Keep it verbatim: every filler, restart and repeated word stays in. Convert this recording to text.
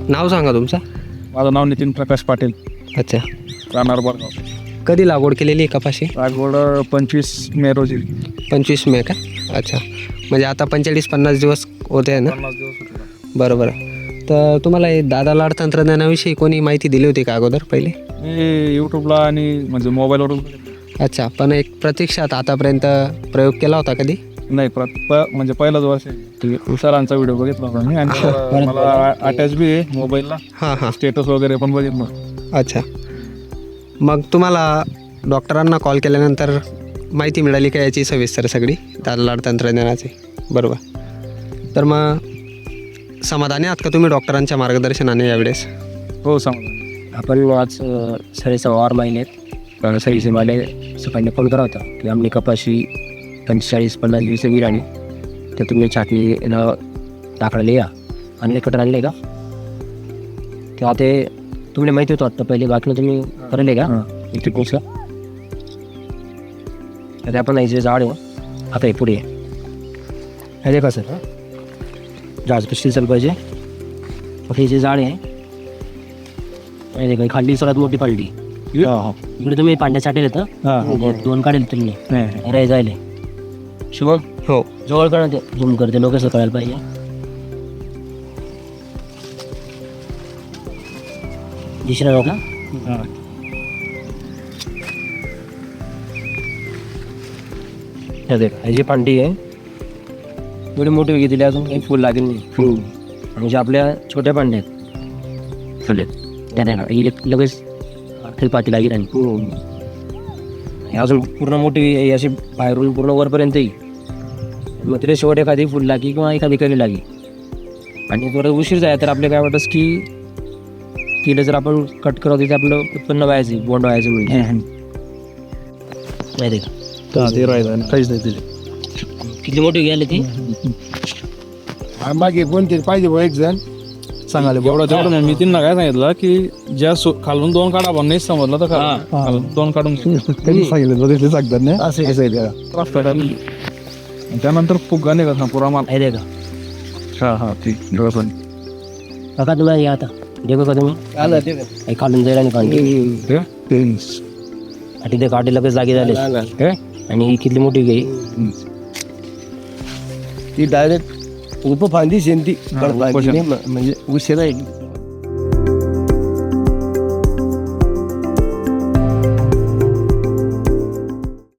नाव सांगा तुमचं. माझं नाव नितीन प्रकाश पाटील, अच्छा. राहणार बरगाव. कधी लागवड केलेली आहे कपाशी? लागवड पंचवीस मे रोजी. पंचवीस मे का? अच्छा. म्हणजे आता पंचेचाळीस पन्नास दिवस होते आहे ना? पन्नास दिवस होते. बरोबर. तर तुम्हाला हे दादा लाड तंत्रज्ञानाविषयी कोणी माहिती दिली होती का अगोदर पहिले? मी यूट्यूबला आणि म्हणजे मोबाईलवरून. अच्छा. पण एक प्रत्यक्षात आतापर्यंत प्रयोग केला होता कधी? नाही, प्र प- म्हणजे पहिलाच वर्ष आहे. सरांचा व्हिडिओ बघितला होता मी आणि मला अटॅच बी आहे मोबाईलला. हां हां. स्टेटस वगैरे पण बघितलं. अच्छा. मग तुम्हाला डॉक्टरांना कॉल केल्यानंतर माहिती मिळाली का याची सविस्तर सगळी दादा लाड तंत्रज्ञानाची? बरोबर. तर मग समाधानी आहात का तुम्ही डॉक्टरांच्या मार्गदर्शनाने यावेळेस? हो, सांगा. आपण आज सरीचा वार महिन्यात सरीचे मला सकाळी फोन करा होता की आमने कपाशी पंचेचाळीस पन्नास दिवस वीर आणि तर तुम्ही छाटणीला टाकायला या आणि कटर आणले का? तेव्हा ते तुम्हाला माहिती होतं आता पहिले बाकीनं तुम्ही करले का इथे पोचला तर आपण याचे झाड आहे आता हे पुढे हे देखा सर झाड कशी चाल पाहिजे. हे जे झाड आहे माहिती का खाल्ली सगळ्यात मोठी पालटी इकडे तुम्ही पांड्या साठेल येतं दोन काढेल तुम्ही रे जायले शुभम. हो. जवळ करा ते झूम करते लोक असं कळायला पाहिजे. दुसऱ्या लोक ह्याची पांडी आहे एवढी मोठी वेगळी दिली अजून काही फुल लागेल नाही. म्हणजे आपल्या छोट्या पांड्या आहेत फुले त्या लगेच पाती लागेल आणि अजून पूर्ण मोठी अशी बाहेरून पूर्ण वरपर्यंत येईल. मग तिथे शेवट एखादी फुल लागी किंवा एखादी कली लागी आणि थोडं उशीर जाय तर आपल्या काय वाटतं की तिला जर आपण कट करत तिथे आपलं उत्पन्न व्हायचं बोंड व्हायचं म्हणजे माहिती का ते राहिलं काहीच नाही दिले. किती मोठी गेली ती मागे कोणतरी पाहिजे बघ एक जण सांगाले. एवढं तेवढं नाही. मी त्यांना काय सांगितलं की ज्या सो खालून दोन काढा पण नाही समजलं तर खालून दोन काढून त्यांनी सांगितलं तिथे सांगतात नाही असं असं त्यानंतर फुगा नाही का पुरा माल. माहिती का हा हा ठीक पण काका तुम्हाला या आता देखो का तुम्ही खालून जाईल आणि पाणी आणि ते काटे लगेच जागी झाले आणि ही किती मोठी गई ती डायरेक्ट उपफांदी शेंती म्हणजे उशिरा